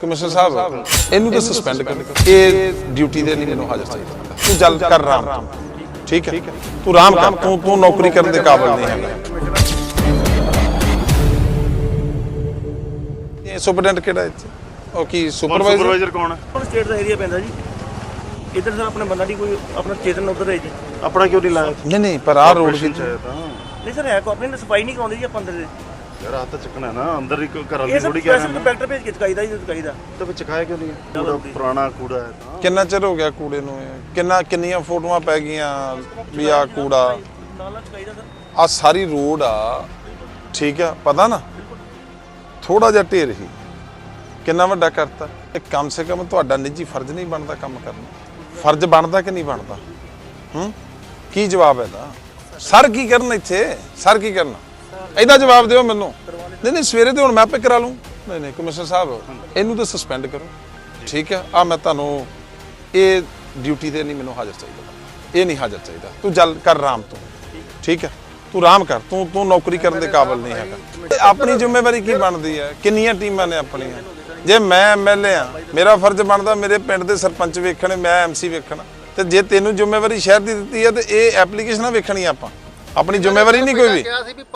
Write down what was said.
Commissioner साहब इनू तो सस्पेंड कर, ये ड्यूटी दे नहीं मैनू हाजिर चाहिए। तू जल कर राम, ठीक है तू राम कर, तू नौकरी करने के काबिल नहीं है। ये सुपरडेंट केड़ा इत्थे ओ की सुपरवाइजर कौन है? स्टेट ਦਾ ਏਰੀਆ ਪੈਂਦਾ ਜੀ। इधर सर अपना बंदा नहीं कोई अपना चेतन उधर है जी। अपना क्यों नहीं लाया? नहीं पर आ रोड की नहीं सर है को अपने सफाई नहीं कराਉਂਦੇ ਜੀ ਆਪਾਂ ਅੰਦਰ ਦੇ यार हाथ चकना है ना अंदर ही घर ये सब स्पेशल कंपैक्टर भेज के चकाईदा जी चकाईदा तो फिर चकाया क्यों नहीं है? कूड़ा पुराना कूड़ा है। कितना चिर हो गया कूड़े ਨੂੰ ਕਿੰਨੀਆਂ ਫੋਟੋਆਂ ਪੈ ਗਈਆਂ ਵੀ ਆ ਕੂੜਾ ਨਾਲਾ ਚਕਾਈਦਾ ਸਰ ਆ ਸਾਰੀ ਰੋਡ ਆ, ਠੀਕ ਆ ਪਤਾ ਨਾ ਥੋੜਾ ਜਿਹਾ ਢੇਰ ਹੀ ਕਿੰਨਾ ਵੱਡਾ ਕਰਤਾ। ਇਹ ਕਮ ਸੇ ਕਮ ਤੁਹਾਡਾ ਨਿੱਜੀ ਫਰਜ਼ ਨਹੀਂ ਬਣਦਾ ਕੰਮ ਕਰਨਾ? ਫਰਜ਼ ਬਣਦਾ ਕਿ ਨਹੀਂ ਬਣਦਾ? ਕੀ ਜਵਾਬ ਹੈ ਦਾ? ਸਰ ਕੀ ਕਰਨ ਇੱਥੇ? ਸਰ ਕੀ ਕਰਨਾ ਇਹਦਾ ਜਵਾਬ ਦਿਓ ਮੈਨੂੰ। ਨਹੀਂ ਸਵੇਰੇ ਤੇ ਹੁਣ ਮੈਂ ਆਪੇ ਕਰਾ ਲੂੰ। ਨਹੀਂ ਕਮਿਸ਼ਨਰ ਸਾਹਿਬ ਇਹਨੂੰ ਤਾਂ ਸਸਪੈਂਡ ਕਰੋ, ਠੀਕ ਹੈ। ਆ ਮੈਂ ਤੁਹਾਨੂੰ ਇਹ ਡਿਊਟੀ ਤੇ ਨਹੀਂ ਮੈਨੂੰ ਹਾਜ਼ਰ ਚਾਹੀਦਾ, ਇਹ ਨਹੀਂ ਹਾਜ਼ਰ ਚਾਹੀਦਾ। ਤੂੰ ਜਲ ਕਰ ਰਾਮ ਤੂੰ, ਠੀਕ ਹੈ ਤੂੰ ਰਾਮ ਕਰ, ਤੂੰ ਨੌਕਰੀ ਕਰਨ ਦੇ ਕਾਬਿਲ ਨਹੀਂ ਹੈਗਾ। ਆਪਣੀ ਜ਼ਿੰਮੇਵਾਰੀ ਕੀ ਬਣਦੀ ਹੈ? ਕਿੰਨੀਆਂ ਟੀਮਾਂ ਨੇ ਆਪਣੀਆਂ? ਜੇ ਮੈਂ ਐਮਐਲਏ ਆ ਮੇਰਾ ਫਰਜ਼ ਬਣਦਾ ਮੇਰੇ ਪਿੰਡ ਦੇ ਸਰਪੰਚ ਵੇਖਣੇ, ਮੈਂ ਐਮਸੀ ਵੇਖਣਾ। ਤੇ ਜੇ ਤੈਨੂੰ ਜ਼ਿੰਮੇਵਾਰੀ ਸ਼ਹਿਰ ਦੀ ਦਿੱਤੀ ਹੈ ਤੇ ਇਹ ਐਪਲੀਕੇਸ਼ਨਾਂ ਵੇਖਣੀ ਆਪਾਂ, ਆਪਣੀ ਜ਼ਿੰਮੇਵਾਰੀ ਨਹੀਂ ਕੋਈ ਵੀ।